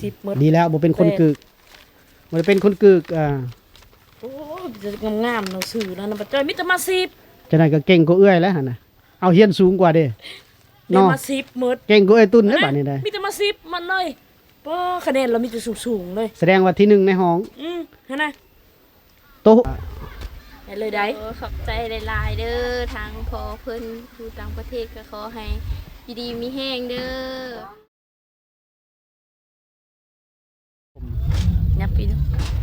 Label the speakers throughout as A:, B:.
A: 10หมด
B: ดีแล้วบ่เป็นคนกึกบ่ได้เป็นคนกึก
A: โอ้จะงามๆหนังสือนะนะบ่จ้อยมีแต่มา10
B: จังได๋ก็เก่งกว่าเอื้อยแล้วหั่นน่ะเอาเฮียนสูงกว่าเด้
A: ได้มา10หมด
B: เก่งกว่าไอ้ตุ้นเด้อบัดนี้ได้
A: มีแต่มา10มันเลยบ่คะแนนเรามีแต่สูงๆเลย
B: แสดงว่าที่1ในห้อง
A: หั่นน่ะ
B: โต
A: ได้เลยได้
C: ขอบใจหลายๆเด้อทางพอเพิ่นอยู่ต่างประเทศก็ขอให้อยู่ดีมีแห้งเด้อยับปี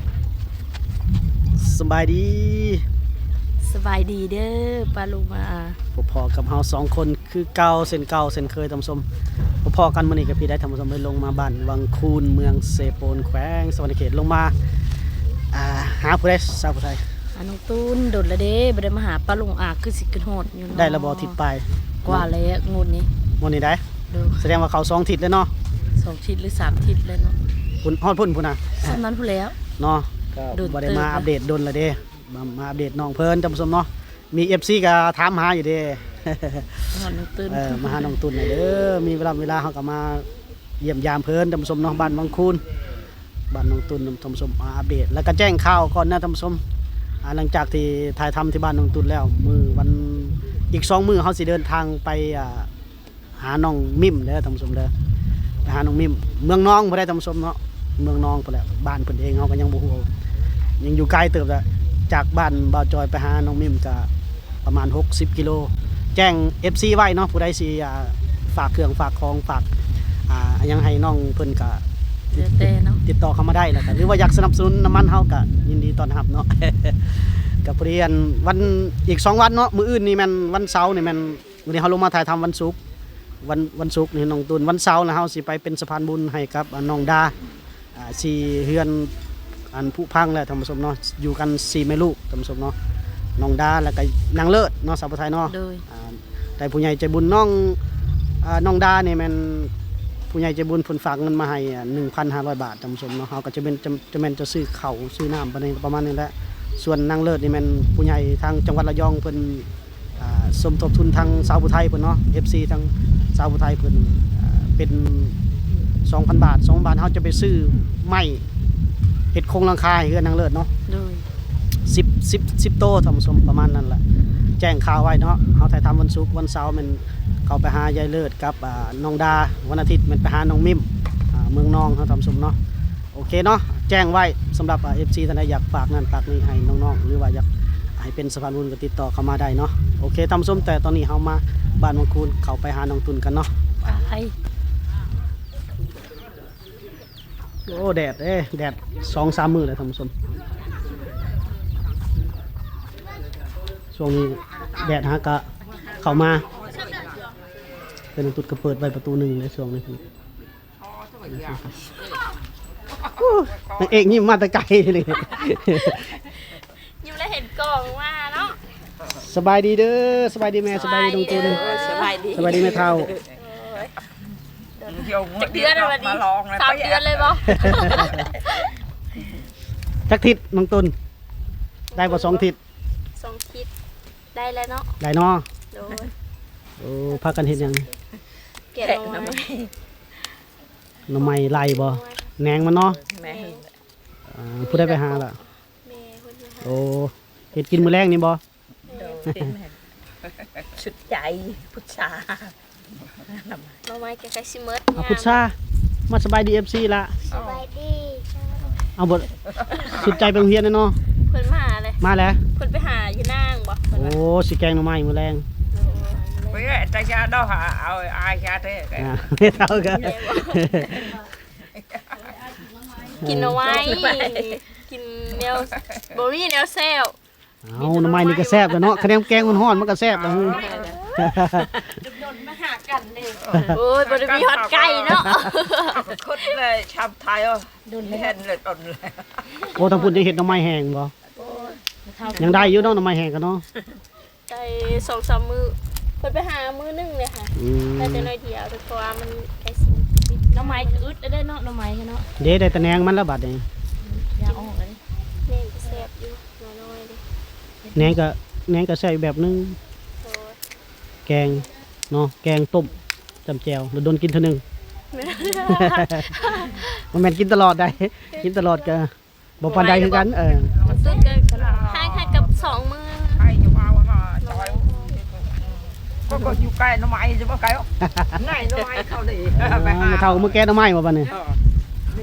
B: สบายดี
A: สบายดีเด้อปาลูมา
B: พอกับเฮา2คนคือเก่าเส้นเคยท่านผู้ชมพอกันมื้อนี้ก็พี่ได้ท่านผู้ชมได้ลงมาบ้านวังคูนเมืองเซโปนแขวงสวรรณเขตลงมาหาผู้ใดสาวผู้ไทย
A: น้องตูนโดดละเด้บ่ได้มาหาปาลุงคือสิขึ้นโหดอยู่เนาะ
B: ได้ระบ่ทิศปลาย
A: กว่าแล้วงุ่นนี้
B: มื้อนี้ได้แสดงว่าเขา2ทิศแล้วเนาะ
A: 2ทิศหรือ3ทิศแล้วเนาะ
B: พุ่นฮอดพุ่นพุ่นน่ะ
A: สำนั้นพุ่นแล้ว
B: เนาะก็บ่ได้มาอัปเดตดนละเด้มาอัปเดตน้องเพิ่นท่านผู้ชมเนาะมี FC ก็ถามหาอยู่เด้
A: น้องตูน
B: มาหาน้องตุนหน่อยเด้อมีเวลาเฮาก็มาเยี่ยมยามเพิ่นท่านผู้ชมเนาะบ้านวังคูนบ้านน้องตุนท่านผู้ชมมาอัปเดตแล้วก็แจ้งข่าวก่อนนะท่านผู้ชมหลังจากที่ถ่ายทำที่บ้านน้องตุนแล้วมื้อวันอีก2มื้อเฮาสิเดินทางไปหาน้องมิมเด้อท่านผู้ชมเด้อไปหาน้องมิมเมืองน้องบ่ได้ท่านผู้ชมเนาะเมืองน้องพุ่นแหละบ้านเพิ่นเองเฮาก็ยังบ่ฮู้ยังอยู่ไกลเติบแล้วจากบ้านบ่าวจอยไปหาน้องมิมก็ประมาณ60กิโลแจ้ง FC ไว้เนาะผู้ใดสิฝากเครื่องฝากของฝากยังให้น้องเพิ่นก็ติดต่อเข้ามาได้แล้วก็หรือว่าอยากสนับสนุนน้ำมันเฮาก็ยินดีต้อนรับเนาะ กับเรียนวันอีก2วันเนาะมื้ออื่นนี่แม่นวันเสาร์นี่แม่นมื้อนี้เฮาลงมาถ่ายทำวันศุกร์วันศุกร์นี่น้องตูนวันเสาร์แล้วเฮาสิไปเป็นสะพานบุญให้กับน้องดาสิเฮือนอันผู้พังแล้วท่านผู้ชมเนาะอยู่กัน4แม่ลูกท่านผู้ชมเนาะน้องดาแล้วก็นางเลิศเนาะสาวไทยเนาะแต่ผู้ใหญ่ใจบุญน้องดาเนี่ยมันผู้ใหญ่ใจบุญเพิ่นฝากเงินมาให้ 1,500 บาทท่านผู้ชมเนาะเฮาก็จะเป็นจะซื้อข้าวซื้อน้ำประมาณนี้แหละส่วนนางเลิศนี่มันผู้ใหญ่ทางจังหวัดระยองเพิ่นสมทบทุนทางสาวผู้ไทยเพิ่นเนาะ FC ทางสาวผู้ไทยเพิ่นเป็น 2,000 บาท2 บาทเฮาจะไปซื้อไม้เฮ็ดโครงหลังคาให้เฮือนนางเลิศเนาะ10โตท่านผู้ชมประมาณนั้นแหละแจ้งข่าวไว้เนาะเฮาถ่ายทำวันศุกร์วันเสาร์มันเข้าไปหายายเลิศกับน้องดาวันอาทิตย์มันไปหาน้องมิมเมืองน้องเฮาทำสมเนาะโอเคเนาะแจ้งไว้สำหรับ FC ท่านใดอยากฝากนั่นฝากนี่ให้น้องๆหรือว่าอยากให้เป็นสะพานบุญก็ติดต่อเข้ามาได้เนาะโอเคทำส้มแต่ตอนนี้เฮามาบ้านวังคูนเข้าไปหาน้องตุนกันเนาะไปโอ้แดดแดด 2-3 มื้อแล้วท่านผู้ชมช่วงนี้แดดฮะก็เข้ามาเป็นตุดกระเปิดไว้ประตู1ในช่วงนี้นางเอกยิ้มมาแต่ไกลเลย
C: ยิ้มแล้วเห็นกล่องว่าเนาะ
B: สบายดีเด้อสบายดีแม่สบายดีดงตูน
A: สบาย
B: ดีแม่เฒ่า
C: เดือนอะไรดี3 เดือนเลยบ่
B: จักทิศน้องตุนได้บ่2 ทิศ
C: 2 ทิศได้แล้วเนาะ
B: ได้เนาะโอ้พากันเฮ็ดหยัง
C: เก็บหน่อ
B: ไม้ไล่บ่แหนงมันเนาะผู้ได้ไปหาล่ะโอ้เฮ็ดกินมื้อแรงนี่บ่
A: ชุดใจพุทธา
C: หน่อไม้ใกล้ๆสิหมด
B: พุทธามาสบายดี FC ละ
C: สบายดี
B: เอาบ่สุดใจไปโรงเรียนเนาะ
C: เพิ่นมาเลย
B: มาแล้ว
C: เพิ่นไปหาอยู่นางบ่
B: โอ้สิแกงหน่อไม้มื้อแรง
D: ไปแต่ชาดอกหาเอาอาชาเท่
B: ไม่เท่ากัน
C: กินเอาไว้กินแนวบ่มีแนวแซ่บ
B: เอาหน่อไม้นี่ก็แซ่บแล้วเนาะคะแนนแกงมันฮ้อนมันก็แซ่บแล้ว
C: โดนมาหากันเลยโอ้ยบ่ได้มีฮอดไก่เนาะ
D: คนเลยชาวไทยโดนเห็นเลยตนเลย
B: โอ้ทางพุ่นจะเฮ็ดหน่อไม้แห้งบ่ยังได้อยู่เนาะหน่อไม้แห้งกันเนาะ
C: ได้ 2-3 มื้อเพิ่นไปหามื้อนึงเลยค่ะแต่จะน้อยเดียวเพราะว่ามันไอ้หน่อไม้อึดได้เนาะหน่อไม้เนาะ
B: เด้ได้แต่แหนงมันแล้วบัดนี้
C: อย่าออกเลยแหนงก็แซ่บอยู่น้อยๆเด้
B: แหนงก็แซ่บแบบนึงแกงเนาะแกงต้มจำแจ่วแล้วโดนกินเท่านึงมันแม่นกินตลอดได้ กินตลอดก็บ่ปานใดคือกัน
C: ตุ๊ดก็ให้กับ2 มื้อ
D: ใครจะว่าจอยก็อยู่ใกล้น้ำไม้จะว่าไกลอ่ะง่ายน้ำไม้เข้าดิไปหา
B: ไม่เท่ามื้อแกงหน่อไม้บ่บัดนี้
D: นี่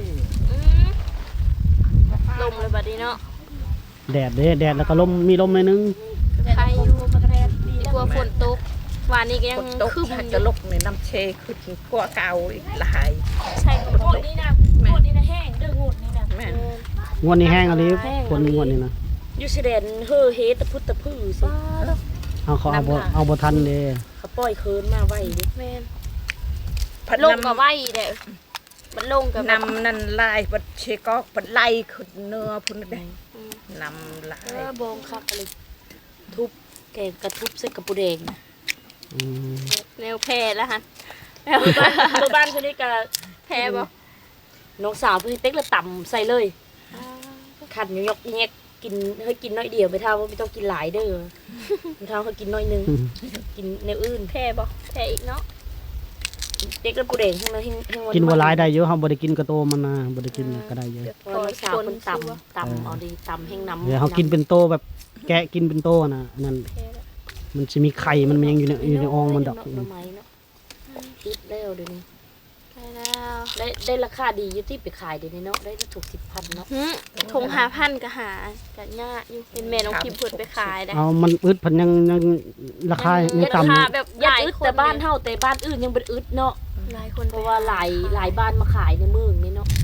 C: ลมเลยบัดนี้เนาะ
B: แดดเด้แดดแล้วก็ลมมีลมหน่อยนึง
C: ใครอยู่กลัวฝนตกวานนี้ก็ยัง
D: คนตก
C: คึม
D: ถ้า
C: อ
D: จะ
C: ยู่
D: ลกในน้ำเชคือกว่าเก่าอีกหลาย
C: ใช่ฝน
A: โง
C: ต
A: ด
C: ก
A: นี่นะโงดนี่นะแห้งเด้อโงดนี่นะ
D: แม่น
B: งวดนี้แห้งอะลิคนงวดนี้นะ
A: อยู่สิเดนเฮ้อเฮตะพุตะพื้อสิ
B: เขาเอาบ่ทันเด้
A: เขาปล่อยเคินมาไว้ดิ
C: แม่น
D: พัด
C: ลง
D: น้ำ
C: กับไว้เด้อมันลงกับ
D: น้ำนั่นลายปัดเชก็ปัดไล่ขึ้นเนื้อพุ่นได้น้ำลาย
A: บงคักอะไรทุบแกงกระทุบใส่กระปุแดง
B: อืม
C: แนวแพร่แล้วฮะ
A: ตัวบ้านคนนี้ก็
C: แพร่บ่
A: น้องสาวเพิ่นเต็กละต่ำใส่เลยขันยกแยกกินให้กินน้อยเดียวไม่เท่าว่าไม่ต้องกินหลายเด้อไม่เท่าเขากินน้อยนึงกินแนวอื่น
C: แพร่บ่แพร่อีกเนาะ
A: เต็กละปุแดงทั้งนั้นให้
B: กินบ่หลายได้เยอะเฮาบ่ได้กินกระโตมันนะบ่ได้กินก็ได้เยอะ
A: เพราะน้องสาวคนต่ำเอาดีต่ำแห้งน้ำ
B: เดี๋ยวเฮากินเป็นโตแบบแกะกินเป็นโตนะนั่น
C: แพร่แล้ว
B: มันสิมีไข่มันยังอยู่ในอองมันดอก
A: หน่อไม้เนาะคิดแล้วเดี๋ยวนี้
C: ใช่แล้ว
A: ได้ราคาดีอยู่ที่ไปขายเดี๋ยวนี้เนาะได้ถูก10,000เนาะ
C: ทง5,000ก็หาก็ยากอยู่เป็นแม่น้องพิมพ์เพิ่นไปขายได้
B: เอามันอึดพันยังราคายัง
C: รา
B: ต่ำ
C: คาแบบห
A: ยัด
C: ลาย
A: อึด
C: คน
A: แต่บ้านเฮาแต่บ้านอื่นยังเป็นอึดเนาะ
C: หลายคน
A: เพราะว่าหลายบ้านมาขายในเมืองนี่เนาะ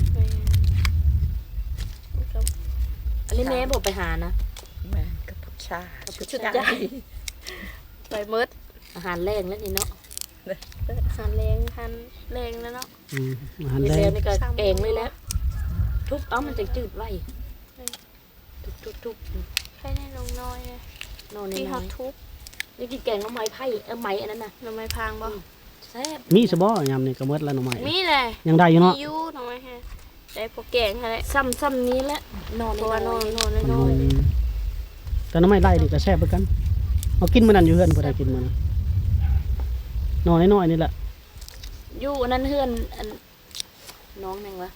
A: อันนี้แม่บอกไปหานะ
D: แม่กับพุชาชุดใหญ่
C: ไปเมิด
A: อาหารแรงแล้วนี่เนาะ
C: หันแรงหันแรงแล้วเนาะ
B: อาหาร
A: เดี๋ยว
B: แร
A: แล้ว
B: ง
A: นี่ก็แกงเลยแล้วทุบเอามันจะจืดไว้ทุบ
C: แค่นี้ลงน้อยเลย
A: นอน
C: ที่
A: น้
C: เขา
A: อย
C: ทุบ
A: ๆนี่กินแกงน้ำไม้ไผ่ไม้อันนั้นน่ะ
C: หน่อไม้พางบ่
A: แซ่บ
B: มีซะบ่ยามนี้ก็หมดแล้วหน่อไม้
C: มีเลย
B: ยังได้อยู่เนาะ
C: มีอยู่หน่อไม้แฮะได้พวกแกงอะไร
A: ซ้ำนี้แหละนอน
C: เพราะว่าน
A: น
C: อ
A: อน น
C: นอนน้อย
B: แต่หน่อไม้ไล่นี่ก็แซ่บเหมือนกันเอากินมื้อนั้นอยู่เฮือนบ่ได้กินมื้อนั้นน้อยน้อยนี่แหละ
A: อยู่อันนั้นเฮือนอันน้องแมงวะ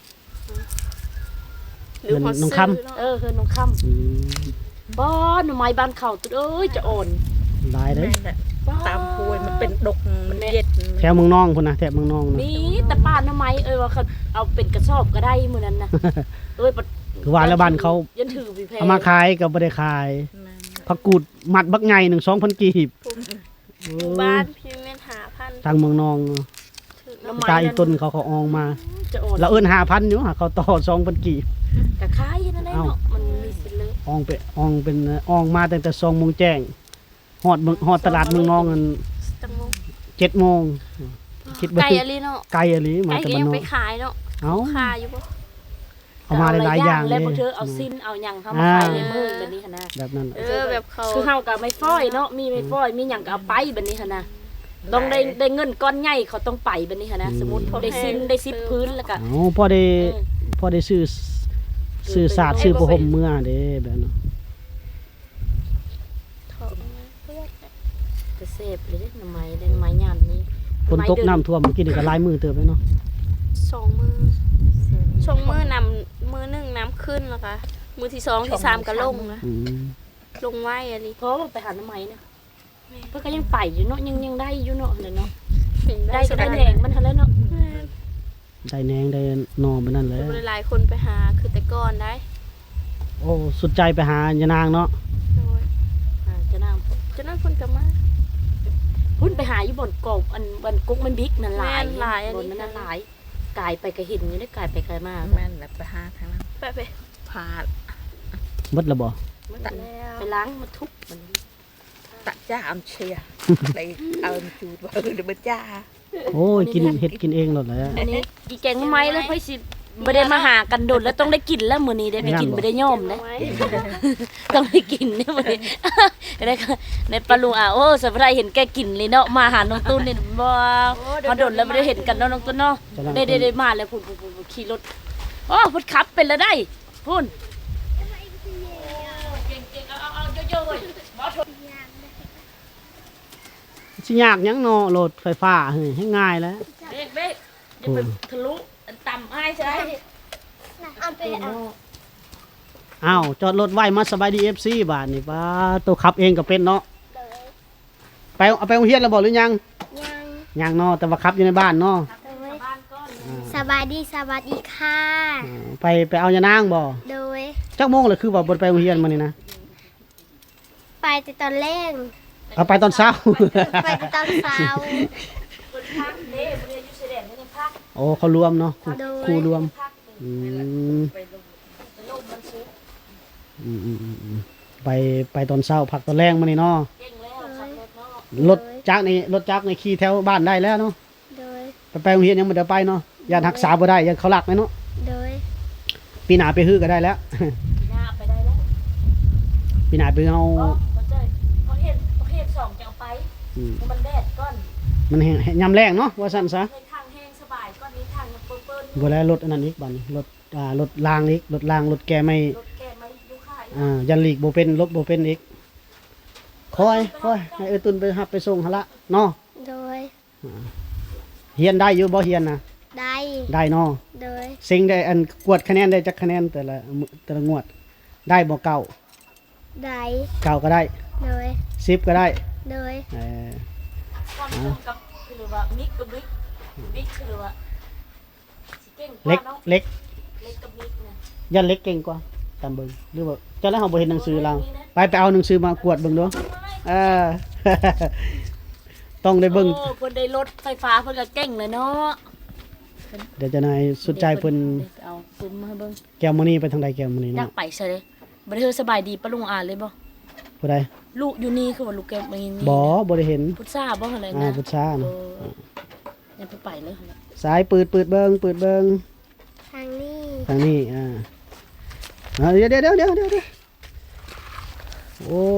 C: ๆหรือเขาซื้อเนาะ
A: เฮือนน้องค่ำบ้านหน่อไม้บ้านเขาตุ๊ดเอ้ยจะอ่อน
B: หลายเด้
D: แม่นแหละตามห้วยมันเป็นดกมันเย็ด
B: แถวเมืองน้องพุ่นนะแถวเมืองน้องนะ
A: มีแต่ป้าหน่อไม้ว่าเขาเอาเป็นกระสอบก็ได้มื้อนั้นนะเอ้ย
B: คือว่าแล้วบ้านเขา
A: ยันถือพี่แพร
B: เอามาขายก็บ่ได้ขายผักกูดมัดบักใหญ่1 2,000กีบ
C: หมู่บ้านพี่แม่น5,000
B: ทางเมืองน้อง
C: ถึง
A: หน่อไม้
B: ตาอีต้นเขาอองมา
A: จะอ่อน
B: แล้วเอิ้น5,000อยู่หาเขาต่อ2,000กีบ
A: กะขายนั่นแหละเนาะมันมีสิเลย
B: อองเป็นอองมาตั้งแต่2 โมงแจ้งฮอดตลาดเมืองน้องกัน
C: จังมง
B: 7 โมงคิดว่า
C: ไก่อะไรเนาะ
B: ไกลอะลิมา
C: ไก่
B: จาก
C: ก็
B: บ้าน
C: ยัง
B: นอ
C: ไป
B: ก
C: ขายเนาะ
B: เอ้า
C: ขายอยู่บ่
B: เอามาหลายๆอย่างเล
A: แล้ว
B: ย
A: บางเธอเอาสิ้นเอาหยังเข้ามาขายในเมืองแบบนี้หั่นนะ
B: แบบนั้น
C: แบบเขา
A: คือเฮาก็ไม่ฟ้อยเนาะมีไม่ฟ้อยมีหยังก็เอาไปแบบนี้หั่นนะต้องได้เงินก้อนใหญ่เขาต้องไปแบบนี้หั่นนะสมมุติได้สิ้นได้10พื้นแล้วก็
B: เอาพอได้ซื้อศาสตร์ซื้อประหมเมื่อเด้แบบนั้น
A: จะเสพเลยเด้หน่อไม้ได้หน่อไม้ยามนี้
B: ฝนตกน้ำท่วมเมื่อกี้นี่ก็หลายมือเติบเลยเนาะ
C: 2 มื้อช่วงมื้อนำมื้อหนึงน้ำขึ้นแล้วก็มื้อที่2ที่3ก็ลงนะ
B: อืม
C: ลงไว้อันนี้
A: เพราะว่าไปหาหน่อไม้นะเพิ่นก็ยังไปอยู่เนาะยังได้อยู่เนาะนั่นเนาะได้ก็ได้แหงมันหั่นแหล้วเนาะ
B: ได้แหนงได้หนอมันนั่นแหละ
C: บ่ได้หลายคนไปหาคือแต่ก่อนได้
B: โอ้สุดใจไปหายานางเนาะ
C: โดย
A: จะนาง
C: ฉะนั้นเพิ่นก็มา
A: พุ่นไปหาอยู่บนกบอันบนกุ๊กมันบิ๊กนั่นหลาย
C: แม่นหลายอัน
A: บ
C: นี้
A: นนั้นหลายกายไปก็เห็นอยู่ได้กายไปกายมา
D: แม่นแหละไปหาทางนั้น
C: ไป
D: พา
B: หมดแล้วบ่
C: แล้ว
A: ไปล้างมาทุบมัน
D: ตะจ้าอันเชียเลยเอาจูดว่าเดี๋ยวมันจ้า
B: โอ้ยกินเฮ็ดกินเองหมดแล้ว
A: อันนี้อีแกงไม้แล้วเพิ่นสิบ่ได้มาหากันโดดแล้วต้องได้กินแล้วมื้อนี้ได้ไปกินบ่ได้ย่อมนะ ต้องได้กินเนี่ยมื้อนี้ ได้ก็ในปลาลุงโอ้สะพายเห็นแกกินเลยเนาะมาหาน้องตุ้นนี่บ่มาโดดแล้วบ่ได้เห็นกันเนาะน้องตุ้นเนาะได้มาแล้วพุ่นขี่รถโอ้พุ่นขับเป็นแล้วได้พุ่นเก่งๆเอาเยอะๆเว้ย
B: สิยากหยังเนาะโหลดไฟฟ้าเฮ้ยให้ง่ายแล้ว
A: เบ๊กจะไปทะลุต่ำอ้ายใช่ไหม
C: เอาไปเอา
B: อ้าวจอดรถไว้มาสบายดี FC บาทนี่ป้าตัวขับเองก็เป็นเนาะ
C: เลย
B: ไปเอาไปโรงเรียนแล้วบ่หรือยัง
C: ยัง
B: ยังเนาะแต่ว่าขับอยู่ในบ้านเนาะ
C: เลยสบายดีค่ะ
B: ไปเอายานางบ่
C: โดย
B: จักโมงเลยคือว่าบ่ไปโรงเรียนมื้อนี้นะ
C: ไปแต่ตอนแรก
B: เอาไปตอนเช้า
C: ไปแต่ตอนเช้า
A: คนพักเด้บริเวณยูเซเดนนี่พัก
B: โอ้เขารวมเนาะครูรวม
A: พัก
B: อืม
A: ไปลงมันซื้อ
B: ไปตอนเช้าพักตอนแรงมื้อนี้เนาะ
A: เก่งแล้วขับรถเนาะ
B: รถจักรในขี่แถวบ้านได้แล้วเนาะ
C: โดย
B: ไปโรงเรียนยังบ่ได้ไปเนาะย่านรักษาบ่ได้ยังเขาลักไหมเนาะ
C: โดย
B: ปีหน้าไปฮื้อก็ได้แล้ว
A: หน้าไปได้แล้ว
B: ปีหน้าไปเอา
A: เขาเจอเขาเห็นสองจะเอาไป
B: อืม
A: มันแดดก้อน
B: มันยามแรงเนาะว่าซั่นซะ
A: ในทางแห้งสบายก้อนนี้ทางมันเปิ้ล
B: บ่แล้วรถอันนั้นอีกบัดนี้รถรางอีกรถรางรถแกไม่
A: รถแกมายุค่าย
B: ยันหลีกบ่เป็นรถบ่เป็นอีกคอยให้เอ้ยตุนไปรับไปส่งหั่นละเนาะ
C: โดย
B: เฮียนได้อยู่บ่เฮียนนะ
C: ได้
B: ได้เนาะ
C: โดย
B: ซิงได้อันกวดคะแนนได้จักคะแนนแต่ละงวด ได้บ่เก่า
C: ได้
B: เก่าก็ได้
C: โดย
B: 10ก็ได้
C: โดย
B: เออ
A: ความตรงกับคือว่ามิกกับบิ๊กคือว่าเก่งก
B: เล็
A: ว่าก เนาะ
B: เล็ก
A: เล็กกับบิ๊กเนี่ย
B: ยันเล็กเก่งกว่าตามเบิ่งหรือว่าเจ้าแล้วเฮาบ่เห็นหนังสือเราไปเอาหนังสือมากวดเบิ่งดูเออ ต้องได้เบิ่ง
A: โอ้เพิ่นได้รถไฟฟ้าเพิ่นก็เก่งเลยเนาะ
B: เดี๋ยวจะนายสุดใจเพิ่น
A: เอาปืนมาให้เบิ่ง
B: แก้วมื้อนี้ไปทางใดแก้วมื้อนี้
A: อยาก
B: เนาะ
A: ไปซะเลยบ่ได้เฮอสบายดีปะลุงอ่านเลยบ่
B: ผู้ใด
A: ลูกอยู่นี่คือว่าลูกแกมานี่
B: บ่ได้เห็น
A: พุทธาบ่อะไร
B: อ่า
A: นะ
B: พุทธานะ
A: ยังไปเลย
B: สายเปิดเบิ่ง
C: ทางนี้
B: ทางนี้เดี๋ยวโอ้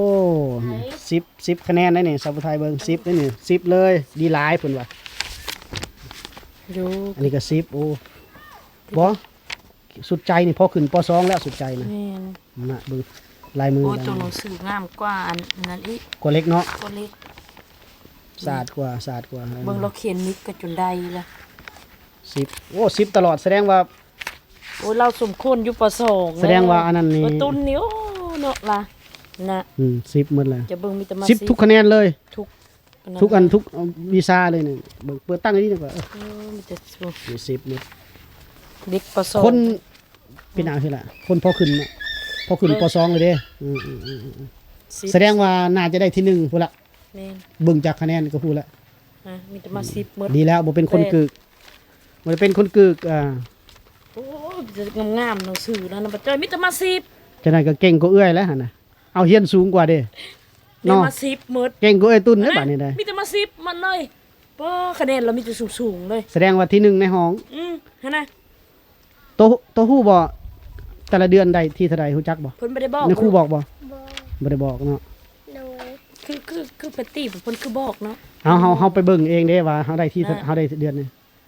B: 10คะแนนได้นี่สาวผู้ไทยเบิ่ง10ได้นี่10เลยดีหลายเพิ่นว่า
A: ดู
B: อันนี้ก็10โอ้บ่สุดใจนี่พอขึ้นป .2 แล้วสุดใจนะ
A: แม่น
B: น่ะเบิ่งลายมือ
A: โอ้ตัวหนังสืองามกว่าอันนั้นอีก
B: กว่าเล็กเนาะ
A: ตัวเล็ก
B: สะอาดกว่า
A: เบิ่งเราเขียนมิกก็จนได้ละ
B: 10โอ้10ตลอดแสดงว่า
A: โอ้เราสมควรอยู่ป .2
B: แสดงว่าอันนั้นนี่
A: ตุนนี่โอ้เนาะล่ะนะ
B: 10หมดเลย
A: จะเบิ่งมีแต่มา
B: 10ทุกคะแนนเลย
A: ทุก
B: ทุกอันทุกวีซ่าเลยนี่เบิ่งเปิดตั้งอันนี้ดีกว่า
A: มีแต่สู
B: นี่10นี่
A: เด็กป .2
B: คนเป็นเอาคือล่ะคนพอขึ้นน่ะพอขึ้นป .2 เลยเด้แสดงว่าน่าจะได้ที่1พุ่นละ
A: แม่น
B: เบิ่งจากคะแนนก็พูดละ
A: มีแต่มา10หมด
B: ดีแล้วบ่เป็นคนกึกบ่ได้เป็นคนกึก
A: โอ้จะงามๆหนังสือแล้วนะบ่จ้อยมีแต่มา10
B: จังได๋ก็เก่งกว่าเอื้อยแล้วหั่นน่ะเอาเฮียนสูงกว่าเด้
A: เนาะ
B: เนาะ
A: มา10หมด
B: เก่งกว่าเอ้ยตุนเด้บัดนี้ได้
A: มีแต่มา10มันเลยป้คะแนนเรามีแต่สูงๆเลย
B: แสดงว่าที่1ในห้อง
A: หั่นน่ะ
B: โตฮู้บ่แต่ละเดือนได้ที่เท่าใดฮู้จักบ่
A: เพิ่นบ่ได้บอก
B: ในครูบอกบ่
C: บอ
B: บ่ได้บอกเนาะ
C: โดย
A: คือเพิ่นตีเพิ่นคือบอกเนาะ
B: เฮาไปเบิ่งเองเด้ว่าเฮาได้ที่เฮาได้เดือนนึง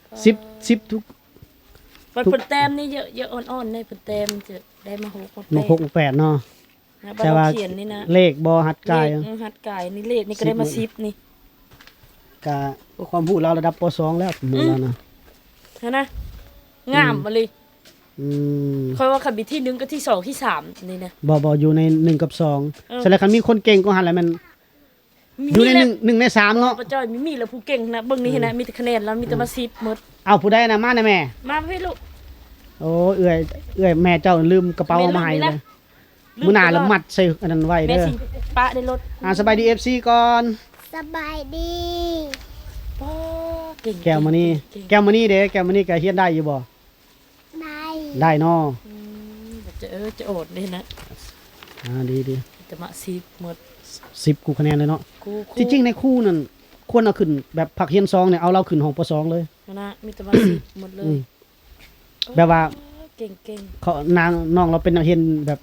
B: 10ทุก
A: เพิ่นแต้มนี่เยอะอ่อนๆในเพิ่นแต้มจะได้มา6
B: มา6 8เนาะ
A: แต่ว่าเขียนนี่นะ
B: เลขบ่หัดกาย
A: หัดกายนี่เลขนี่ก็ได้มา10นี่
B: ก็ความรู้เราระดับป .2 แล้วหมู่เรานะ
A: หั่นน่ะงามบ่เลย
B: อืม
A: ค่อยว่าคันมีที่1กับที่2ที่3นี่นะ
B: บ่อยู่ใน1กับ2แสดงคันมีคนเก่งก็หันแล้วมันอยู่ใน1ใน3เนาะ
A: ป้าจ้อยมีแล้วผู้เก่งนะเบิ่งนี่เห็นนะมีแต่คะแนนแล้วมีแต่มา10หมด
B: เอาผู้ใดน่ะมานะแม่
A: มาพี่ลูก
B: โอ้เอื้อยแม่เจ้าลืมกระเป๋ามาให้เลยมื้อหน้าแล้วมัดใส่อันนั้นไว้
A: แม่
B: เด้อ
A: สิปะในรถ
B: สบายดี FC ก่อน
C: สบายดี
A: ป้าเก่ง
B: แก้วมื้อนี้เด้แก้วมื้อนี้ก็เฮียนได้อยู่บ่
C: ได้
B: ได้เนาะ
A: จะโอดนี่นะ
B: ดี
A: จะมา10หมด
B: 10กูคะแนนเลยเนาะ
A: กู
B: ที่จริงในคู่นั่นควรเอาขึ้นแบบผักเฮียน2เนี่ยเอาเราขึ้นห้องป .2 เลย
A: นะมีแต่มา10หมดเล
B: อื
A: ย
B: ม แบบว่า
A: เก่ง
B: เขาน้องเราเป็นนักเรียนแบบ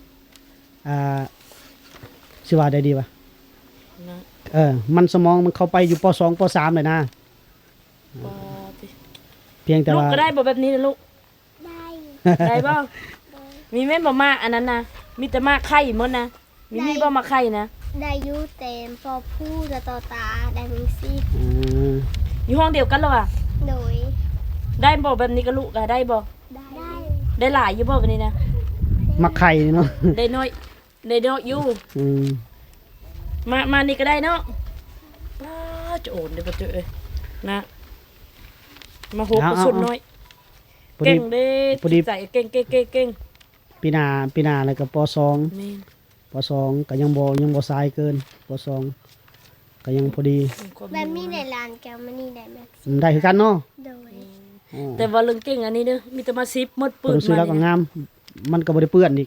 B: สิว่าได้ดีป่ะ
A: นะ
B: มันสมองมันเข้าไปอยู่ป .2 ป .3 เลยนะ
A: ป้า
B: เพียงแต่
A: ลูก
B: ว่า
A: ก็ได้บ่แบบนี้นะลูก
C: ได้
A: ได้บ่มีแม่นบ่มาอันนั้นนะมีแต่มาไข่หมดนะมีบ่มาไข่นะ
C: ได้อยูเต็มพอพูดจะต่อตาได้มิงซี่
B: อืม
A: อยู่ห้องเดียวกันแล้วอ่ะ
C: โดย
A: ได้บ่แบบนี้ก็ลูกก็ได้บ่
C: ได้
A: ได้หลายอยู่บ่แบบนี้นะ
B: มักไข่นี่เนาะ
A: ได้น้อยอยู่
B: อืม
A: มานี่ก็ได้เนาะป้าจะโอนเดี๋ยวบ่เจอเอ้ยนะมาหกกระสุนน้อย
B: พอ
A: เก่
B: ดี
A: งเด้
B: พอดี
A: จิตใจเก่ง
B: ปีหน้าแล้วก็ปสอง
A: แม่น
B: ปสองก็ยังบ่สายเกินปสองก็ยังพอดี
C: แบบนี้ในร้านแกมันนี่ได้ไหม
B: ได้คือกันเนาะ
C: โดย
B: อ๋อ
A: แต่ว่าเรื่องเก่งอันนี้เด้อมีแต่มาซิปหมดปื
B: เพิ่
A: น
B: นซื้อแล้วก็
A: มานี่
B: งาม มันก็บ่ได้เปื้อนอีก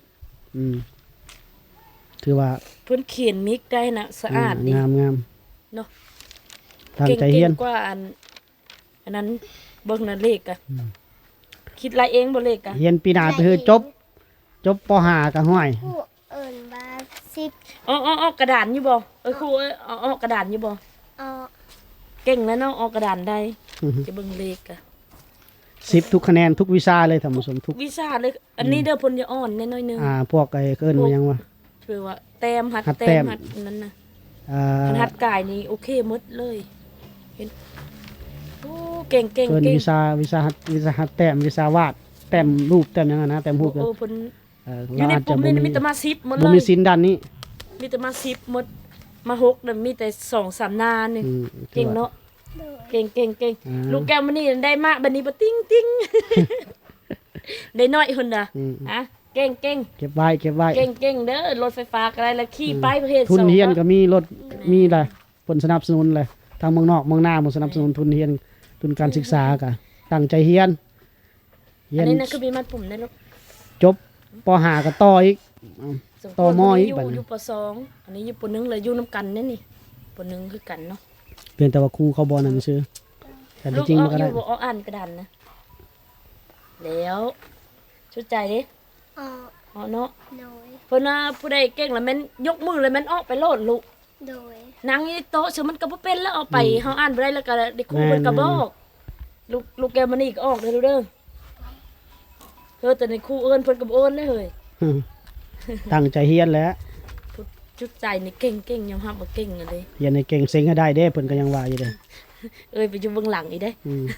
B: ถือว่า
A: เพิ่นเขียนมิกได้นะสะอาดดี
B: งาม
A: เนาะ
B: ตั้งใจเฮียน
A: กว่าอันนั้นเบิ่งนั่นเลขอะคิดไรเองบ่เลขอะ
B: เฮียนปีหน้าไปคือจบป .5 ก็ห้อย
C: ผู้เอิญว่าสิบ
A: อ๋อกระดานอยู่บ่ครูอ๋อกระดานอยู่บ่
C: อ๋อ
A: เก่งแล้วเนาะออกกระดานได้จะเบิ่งเลขอะ
B: 10ทุกคะแนนทุกวิชาเลยท่านผู้ชมทุก
A: วิชาเลยอันนี้เด้อเพิ่นจะอ่อนแน่น้อยหนึง
B: พวกไอ้เอิ้นว่าหยังวะ
A: คือว่าแต้มหัด
B: หัดแต้
A: แต้
B: ม
A: มหัดนั้นน่ะ
B: อ่า
A: หัดกายนี่โอเคหมดเลยเห็นโอ้เก่ง
B: เอิ้นวิชาหัดแต้มวิชาวาดแต้มรูปแต้มหยังอะนะแต้มรูป
A: โอ้เพิ่น
B: เรา
A: อยู่ใน
B: อาจ
A: ปุ่
B: จะ
A: ม
B: บ่
A: นี่
B: มี
A: มีแต่มาซิปหมดเล
B: บ่มี
A: ย
B: สินด้านนี้
A: มีแต่มาซิปหมดมาหกน่ะมีแต่2-3นานี่
B: อืม
A: เก่งเนาะ
C: โดย
A: เก่ง
B: อ่า
A: ลูกแก้วมันนี่ได้มากบัดนี้บ่ติ้ง ได้น้อยหุ่นน่ะ
B: อืม
A: อ่ะเก่ง
B: เก็บไว้
A: เก่งเด้อรถไฟฟ้าก็ได้แล้วขี่ไปประเภท
B: ทุน
A: สอง
B: เฮียนก็มีรถมีแหละผลสนับสนุนเลยทางเมืองนอกเมืองหน้าหมสนับสนุนทุนเฮียนทุนการศึกษากะตั้งใจเฮียน
A: อันนี้นะคือมีมัดปุ่มได้ลูก
B: จบป .5 ก็ต่ออีก
A: สม
B: ต่อมออีก
A: ยู่
B: บัดนี้
A: อยู่ป .2 อันนี้อยู่ป .1 เลยอยู่นํกันนั่นนี่ป .1 คือกันเนาะ
B: เพียงแต่ว่าครูเขาบ่นั่นซื่อแต่
A: ลูก
B: จริง
A: อ
B: ๆ
A: อ
B: มัน
A: ก
B: ก็
A: อ
B: ได้
A: ยู่บ่ออกอ่านกระดานนะแล้วชุดใจเด้
C: อ๋อ
A: อ๋อเนาะ
C: โดย
A: เพิ่นว่าผู้ใดเก่งแล้วแม่นยกมือแล้วแม่นออกไปโลดลูก
C: โดย
A: นั่งอยู่ในโต๊ะซึ่งมันก็บ่เป็นแล้วเอาไปเฮาอ่านบ่ได้แล้วก็ได้ครูเพิ่นก็บอกลูกแกมันนี่ก็ออกเด้อลูกเด้อแต่ในครูเอิ้นเพิ่นก็บ่เอิ้นเลยเฮ้ย
B: ตั้งใจเฮียนแหล้ว
A: จุดใจนี่เก่งยอมรับว่าเก่งอะเด้
B: เฮียนให้เก่งเซ็งให้ได้เด้เพิ่นก็ยังว่าอยู่เด้
A: เอ้ยไปอยู่เบื้องหลังอีเด้
B: อืม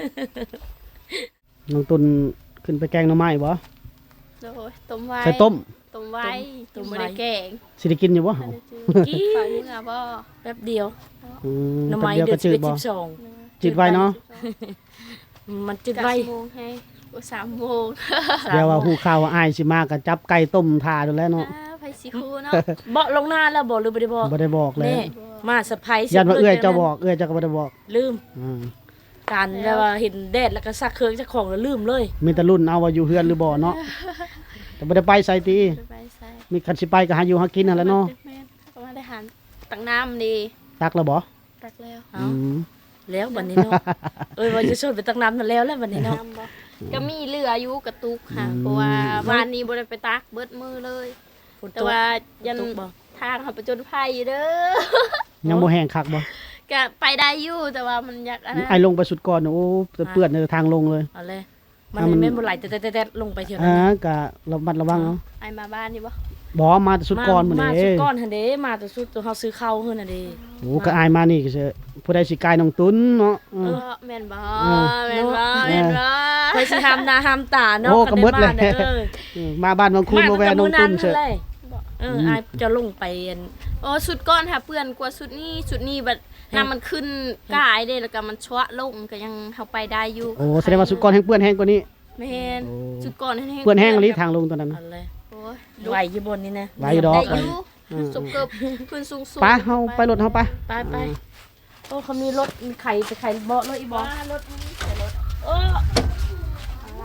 B: น้องตุนขึ้นไปแกงหน่อไม้บ่
C: โดยต้มไว้
B: ใส่ต้ม
C: ต้มไว้ต้มไม่ได้แกง
B: สิได้กินอยู่บ่เฮา
A: กี้
C: ฝากมือบ่
A: แป๊บเดียว
B: ห
A: หน่อ
B: แป๊บ
A: ไม้
B: เดียว
A: เดือ
B: ก็
A: น
B: จืดบ่
A: 12
B: จืดไว้เนาะ
A: มันจืดไว้
C: โมงให้3 โมง
B: เดี๋ยวว่าฮู้ข่าวว่าอ้ายสิมาก็จับไก่ต้มทาดูแล้วเนาะ
C: ไปสิคูเนาะ
A: เบาะลงหน้าแล้วบ่หรือบ่ได้บอก
B: บ่ได้บอกเลย
A: แน่มาเซอร์ไพรส์
B: ยันว่าเอื้อยเจ้าบอกเอื้อยเจ้าก็บ่ได้บอก
A: ลืม
B: อ่า
A: การแล้วว่าเห็นแดดแล้วก็ซักเครื่องซักของแล้วลืมเลย
B: มีแต่รุ่นเอาว่าอยู่เฮือนหรือบ่เนาะแต่บ่ได้ไปไสติ
C: ไปใส่
B: มีคันสิไปก็หาอยู่หากินนั่นแหละเนาะ
C: แม่ก็มาได้หันตักน้ำดี
B: ตักแล้วบ่
C: ตักแล้ว
A: เอา
B: ม
A: แล้วบัดนี้เนาะเอ้ยว่าจะชวนไปตักน้ำนั่นแล้วบัดนี้เนาะ
C: น้ำบ่ก็มีเหลืออยู่กระตุกค่ะเพราะว่าวานนี้บ่ได้ไปตักเบิดมือเลย
A: ฝนต
C: แต่
A: ก
C: ว่ายัน
A: ตกบ่
C: ทางเขาไปจนภัยอยู่เด้อ
B: ยังบ่แห้งคักบ่
C: ก็ไปได้อยู่แต่ว่ามันอยากอันนั้น
B: ไอ้ลงไปสุดก่อนน่ะโอ้เปื้อนในทางลงเลย
A: เอาเลยมัน
B: อ่ะมัน
A: แม่นบ่ไหลแต่ลงไปเที่ยวนั้
B: อ่าน
A: นะ
B: ก็ระมัดระวังเอา
C: ไอมาบ้านนี่บ่
B: บ่มาแต่สุดก่อนมื้อ
A: มา
B: นี้
A: สุดก้อนหั่นเด้มาแต่สุดตัวเฮาซื้อข้าวเฮือนน่ะเด้
B: โอ้ก็อายมานี่ก็สิผู้ใดสิกายน้องตุนเนาะ
C: เออแม่นบ่
B: เออ
C: แม่นบ่แม่นบ่
A: เพิ่นสิห้ามหน้าห้ามตาเนาะ
B: โอ้ก็หมดเลย
A: คันได้มานี่อ
B: มาบ้านบางคุณบ่แวะน้องตุนเช
A: เฉ
B: อะ
A: ยอายจะลงไปอัน
C: โอ้สุดก้อนค่ะเปื้อนกว่าสุดนี้บัดน้ำมันขึ้นกายเด้แล้วก็มันชวะลงก็ยังเฮาไปได้อยู่
B: โอ้แสดงว่าสุดก่อนแห้งเปื้อนแห้งกว่านี้
C: แม่น
B: โอ้
C: สุดก้อนแห้งๆ
B: เปื้อนแห้งอีหลีทางลงตอนนั้น
A: เอาเลย
C: โอ้ย
A: ไหวอยู่บนนี่นะ
B: ไหวอยู่ดอก
C: ได้อยู่สุกเกือบขึ้นสูงๆ
B: ไปเฮาไปรถเฮาไป
A: ไปโอ้เขามีรถมีไข่ไปไข่เบาะรถอีบอ
C: ว่ารถนี้ใส่รถ
A: เอออะไร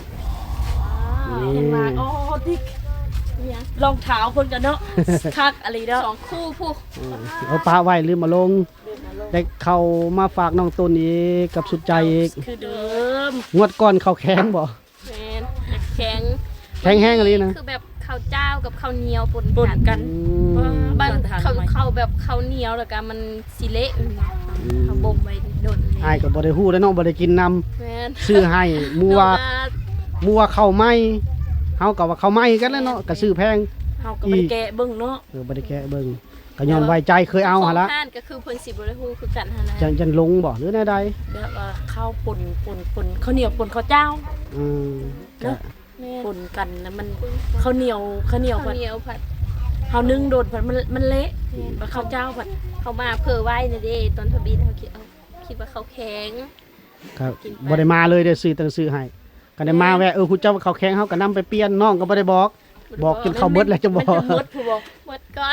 A: เห็นมาโอ้ดิก
C: เนี่ย
A: รองเท้าคนกันเนาะคักอะไรเนาะ
C: สองคู่ผู้
B: เอาปลาไว้ลืมมาลง ได้เข้ามาฝากน้องตุนอีกกับสุดใจอีก
A: คือเดิม
B: งวดก่อนเข้าแข็งบ่
C: แม่นแข็ง
B: แข็งแห้งอีหลีนะ
C: คือแบบข้าวเจ้ากับข้าวเหนียวปน
A: ปน
C: กัน
A: กัน
B: อืม
C: บ้าน
A: ทาน
C: เขา
A: ทำไม
C: เขาแบบข้าวเหนียวแล้วก็มันสิเละเขาบ่มไว้โดนเลย
B: อ้ายก็บ่ได้ฮู้แล้วเนาะบ่ได้กินนำ
C: แม่น
B: ซื้อให้มัว
C: เนาะ
B: มัวเข้าวไหม้เฮาก็ว่าเข้าวไหม้กันแล้วเนาะก็ซื้อแพง
A: เฮาก็บ่ได้แกะเบิ่งเนาะ
B: บ่ได้แกะเบิ่งก็ย้อนไว้ใจเคยเอาหั่นละ
C: ของห้านก็คือเพิ่นสิบ่ได้ฮู้คือกันหั่นนะ
B: จังลงบ่หรือแนวใด
A: แบบว่าข้าวป่นข้าวเหนียวป่นข้าวเจ้า
B: อืมก็
C: แม่
A: ป่นกันแล้วมันข้าวเหนียวผั
C: ข้า
A: ด
C: วเหนียวผัด
A: เฮานึ่งโดนผัดมันเละบัดข้าวเจ้าผัด
C: เขามาเพื่อไว้นี่เด้ตอนทบีเขาคิดว่าเขาแข็ง
B: ครับบ่ได้มาเลยได้ซื้อตั้งซื้อให้ก็ได้มาแวะคุณเจ้าเขาแข็งเฮาก็นำไปเปลี่ยนน้องก็บ่ได้บอกจนเข้าเบิดแล้วจะบอก
A: มันจะหมดผู้บอก
C: หมดก่อน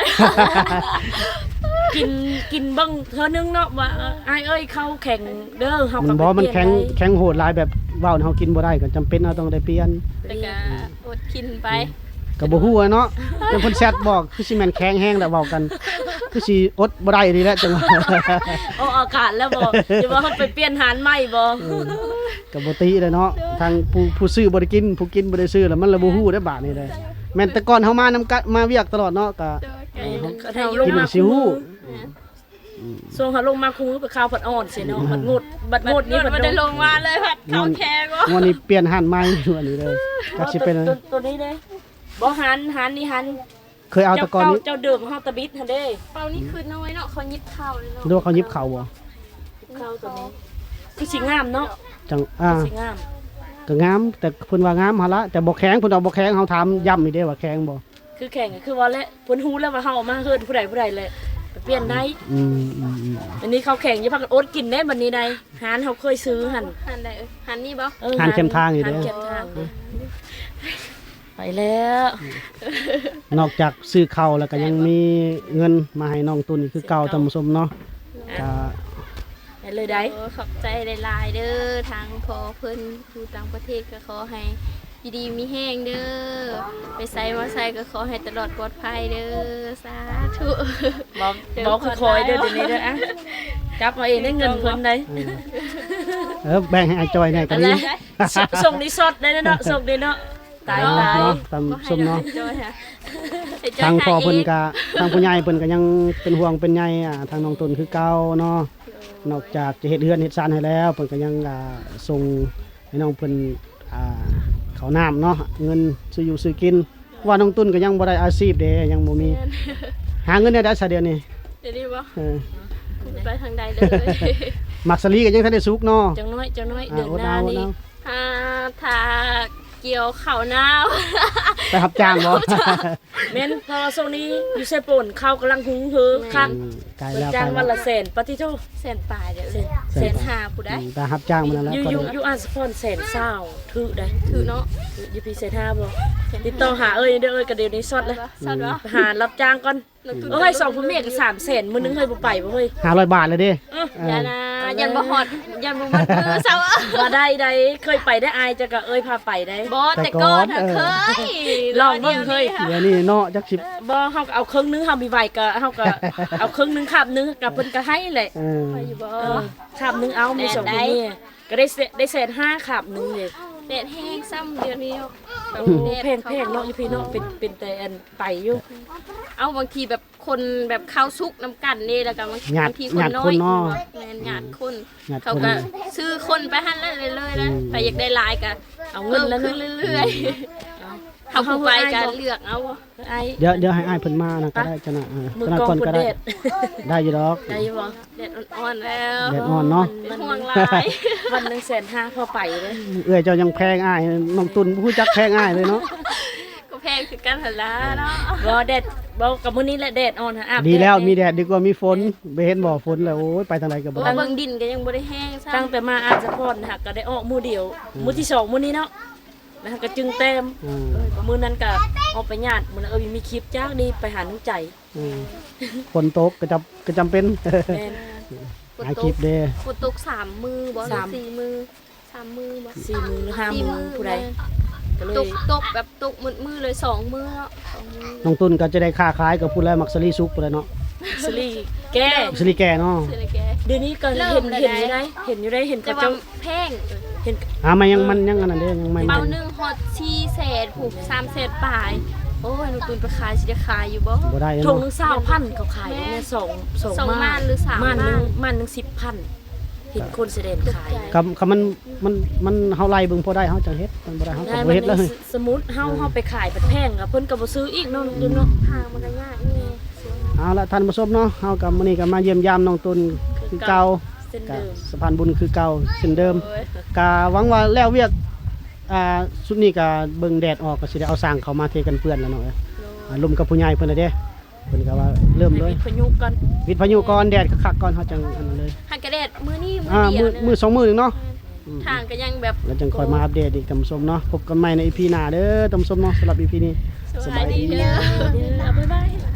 A: กินเบิ่งเธอนึงเนาะว่าอ้ายเอ้ยเข้าแข่งเด้อเฮา
B: มั
A: ก็
B: น
A: ไป
B: บ่มัน
A: เปลี่ย
B: แข็งโหดหลายแบบเว้าเฮากินบ่ได้ก็จำเป็นเฮาต้องได้เปลี่ยน
C: แล้วก็อดกินไป
B: ก็บ่ฮู้อะเนาะเป็นคนแชทบอกคือสิแม่นแข็งแฮงแล้วเว้ากัน คือสิอดบ่ได้นี่แหละจังหวะ
A: เอาอากาศแล้วบ่จะว่าเฮาไปเปลี่ยนหารใหม่บ่
B: ก็บ่ติเลยเนาะทางผู้ซื้อบ่ได้กินผู้กินบ่ได้ซื้อแล้วมันละบ่ฮู้ได้บาดนี้เลยแม่นแต่ก่อนเฮามามาเวียกตลอดเนาะก็
A: ก็ถ้าลง
B: กิน
A: มา
B: สิฮู้
A: ส่งเฮาลงมาคุงไปข้าวผัดอ่อนสิเนาะผัดงดบัดงดนี้
C: มันได้ลงมาเลยผัดข้าวแข็งวะ
B: วันนี้เปลี่ยนหันใหม่วันนี้เลยจักสิเป็น
A: ตัวนี้เด้บ่หันนี่หัน
B: เคยเอาแตะกอนนี้
A: เจ้าเดิมเฮาตะบิดหั่นเด้
C: เปล่านี่คือน้อยเนาะเขายิบข้าวเลยเนาะ
B: ดูว่าเขายิบเข่าบ่
A: ข้าวตัวนี้คือสิงามเนาะ
B: จัง
A: สิงาม
B: ก็งามแต่เพิ่นว่างามหั่นละแต่บ่แข็งเพิ่นเอาบ่แข็งเฮาถามย้ำอีกเด้ว่าแข็งบ่
A: คือแข่งก็คือว่าและเพิ่นฮู้แล้วว่าเฮาเอามาเฮ็ดผู้ใดเลยไปเปลี่ยนได้
B: อืม
A: อันนี้เขาแข่งอย่าพักกันอดกินได้บัดนี้ใดหานเฮาเคยซื้อหั่น
C: หันได้หันนี่บ่
B: หันเข้มทางอยู่
A: หั
B: เด้
A: นเข้มทางเด้อไปแล้ว
B: นอกจากซื้อข้าวแล้วก็ยังมีเงินมาให้น้องตุนอีกคือเก่าท่านผู้ชมเนาะก็
A: ไปเลยได้
C: ขอบใจหลายๆเด้อทางพอเพิ่นอยู่ต่างประเทศก็ขอให้อยู่ดีมีแห้งเด้อไปไสมาไสก็ขอให้ตลอดปลอดภัยเด้อสาธุ
A: บอกคือคอยเด้อเดี๋ยวนี้เด้ออะจับมาเองได้เงินเพิ่นได้
B: แบ่งให้อาจอยหน่อยก็
A: อะไร
B: ดี
A: ส่งรีสอร์ทได้เนาะส่งได้เนาะตาย
B: เนาะ
A: ตาย
B: เนาะท่านผู้ชมเนาะ
C: จอยค่ะ
B: ทางพ่อเพิ่นก็ทางผู้ใหญ่เพิ่นก็ยังเป็นห่วงเป็นใยทางน้องตุนคือเก่าเนาะนอกจากจะเฮ็ดเฮือนเฮ็ดซานให้แล้วเพิ่นก็ยังส่งให้น้องเพิ่นข้าวน้ำเนาะเงินซื้ออยู่ซื้อกินว่าน้องตุนก็ยังบ่ได้อาชีพเด้ยังบ่มีหาเงินได้ซะเดี๋ยวนี้
C: เดี๋ยวนี้บ่
B: เออ
C: ไปทางใดเลย
B: มักสลีก็ยังทันได้สุกเนาะ
A: จังน้อยเดือนหน้านี่
C: ถ้าเกี่ยวข้าวหน้า
B: ไปรับจ้างบ่
A: แม่นพอโซนี้อยู่เซโป่นข้าวกำลังหุงเฮือคัก
B: ไกล
A: เปิด
B: แล้ว
A: จ้าง
B: ไกล
A: วัน
B: แล้ว
A: ละแสนปฏิโท
C: แสนปลายเดี๋ยว
A: แสน
C: หาผู้ได้
B: ไปรับจ้างมาแล้ว
A: อยู่
B: ก็
A: อยู่อ่านสปอนแสนเศร้าถือได้
C: ถือเนาะ
A: อยู่พี่เซน5บ่ติดต่อหาเอ้ยเด้อเอ้ยก็เดี๋ยวนี้สดเลย
C: สัตว์วะ
A: หารับจ้างก่อนเอ้ย2ผู้เมียก็300,000มื้อนึงเฮ้ยบ่ไปบ่เฮ้ย
B: 500 บาทเลยเด้
C: อย่านะยันบ่ฮอดยันบ่มัดมือเซา
A: บ่ได้เคยไปได้อายจะก็เอ้ยพาไปได้
C: บ่แต่ก่อนเคย
A: ลองเบิ่งเคย
B: เดี๋ยวนี้เนาะจักสิบ
A: บ่เฮาก็เอาครึ่งนึงเฮามีไหวก็เฮาก็เอาครึ่งนึงคาบนึงกับเพิ่นก็ให้แหละ
C: ไปอยู่บ่
A: คาบนึงเอามี2ผู้เมียก็ได้แสน5คาบนึงเลย
C: แดดแห้งซ้ำเดือนนี้
A: โอ้แพงเนาะอยู่พี่เนาะเป็นแต่อันไปอยู่
C: เอาบางทีแบบคนแบบข้าวซุกน้ำกันนี่แล้วก็บาง
B: หยาด
C: ทีค
B: ห
C: น
B: ยาด
C: น้อ
B: คน
C: ย
B: เนาะ
C: แม่นหยาดคน
B: หยาด
C: เขา
B: คน
C: ก็ซื้อคนไปหั่นแล้วเลยๆนะไปอยากได้หลายก็
A: เอาเงินแล้ว
C: ขึ้
A: เนาะ
C: นเรื่อยๆเขาผู้ไปก็เลือกเอา
A: ไอ้
B: เดี๋ยวให้อ้ายเพิ่นมานะก็ได้จังน่ะ
A: มือ
B: ตอน
A: กอง
B: ก่อน
A: คน
B: ก็ได้
A: เด็ด
B: ได้อยู่ดอก
A: ได้อยู่บ่
C: แดดอ่อนๆแล้ว
B: แดดอ่อนเนาะ
C: เป็นห่วงหลาย
A: วันหนึง150,000พอไปเลย
B: เอื้อยเจ้ายังแพงอ้ายน้องตุนผู้จักแพงอ้ายเลยเนาะ
C: ก็แพงคือกันหั่นล่ะเนาะ
A: บ่แดดบ่กับมื้อนี้แหละแดดอ่อนหาอาบ
B: ดีแล้ว
A: ด
B: มีแดดดีกว่ามีฝนไปเห็นบ่ฝนแล้วโอ้ยไปทางใดก็บ่
C: เพราะ
B: ได้
C: ว่าเบิ่งดินก็ยังบ่ได้แห้งซ้ำ
A: ตั้งแต่มาอาจจะพรหักก็ได้ออกมื้อเดียวมื้อที่2มื้อนี้เนาะแล้วก็จึงเต็ม
B: อืม
A: มื้อนั้นก็ออกไปญาติมื้อนั้นมีคลิปจ้างดีไปหาน้องใจ
B: อืมฝนตกก็จำเป็น
A: แม่น
B: หาคลิปเด้
C: ฝนตก3มือบ่หรือ
A: สาม
C: 4มือ3มือบ่
A: 4มื้อหรือ5มื้อผู้ใดก็เล
C: ต
A: ย
C: กแบบตกมือเลย2มือเนาะ2มือ
B: น้องตุนก็จะได้ค้าขายกับผู้แลมักสลีสุกพุ่นแหละเนาะ
A: สลีแก้
B: สลีแก่เนาะ
C: ซื้อเลยแก
A: เดี๋ยวนี้ก็
C: เริ่
A: เห็
C: ม
A: น
C: แล้ว
A: เห็นอยู่ได้เห็นอยู่ได้เห็น
C: แต่
A: เขา
C: ว่า
A: เจ้า
C: แพง
A: เห็น
B: มันยังอันนั้นเด้ยังไม่
C: เบาหนึงฮอด4แสนผูก3แสนปลายโอ้ยหนูตุนไปขายสิจะขายอยู่บ่
B: บ่ได้
A: ถุง
B: เนาะ
A: นึง20,000เขาขายอยู่เนี่ยสอง
C: สองม่านหรือสาม
A: ม่านหนึง
C: ม่าน
A: ม่านหนึง10,000เห็นคนแสดงขาย
B: กับมันเฮาไล่เบิ่งพอได้เฮาจังเฮ็ดมันบ่ได้เฮาก็
A: ได้
B: บ่เฮ็ดเลย
A: สมมุติเฮาไปขายเป็นแพงกับเพิ่นก็บ่ซื้ออีกเนาะดูเนาะ
C: ทางมันก็ยากนี่
B: เอาละท่านผู้ชมเนาะเฮากับมื้อนี้ก็มาเยี่ยมยามน้องตุนคือเก่า
A: เส้น
B: ก็
A: เดิม
B: สะพานบุญคือเก่าเช่นเดิม
C: โอ้ย
B: ก็หวังว่าแล้วเวียกสุดนี้ก็เบิ่งแดดออกก็สิได้เอาสร้างเข้ามาเทกันเปื้อนแล้วเนาะลมกับผู้ใหญ่เพิ่นน่ะเด้เพิ่นก็ว่าเริ่มเลย
A: พยุกัน
B: วิทย์พายุก่อนแดดคักๆก่อนเฮาจังอันนั้นเลย
C: หักกระเด็ดมื้อนี้มื้
B: มื
C: เดียว
B: มือสองมือนึงเนาะ
C: ทางก็ยังแบบ
B: แล้วจังคอยมาอัปเดตอีกท่านผู้ชมเนาะพบกันใหม่ใน EP หน้าเด้อท่านผู้ชมเนาะสำหรับ EP นี้
C: สบายดีเด้อ
A: บ๊ายบาย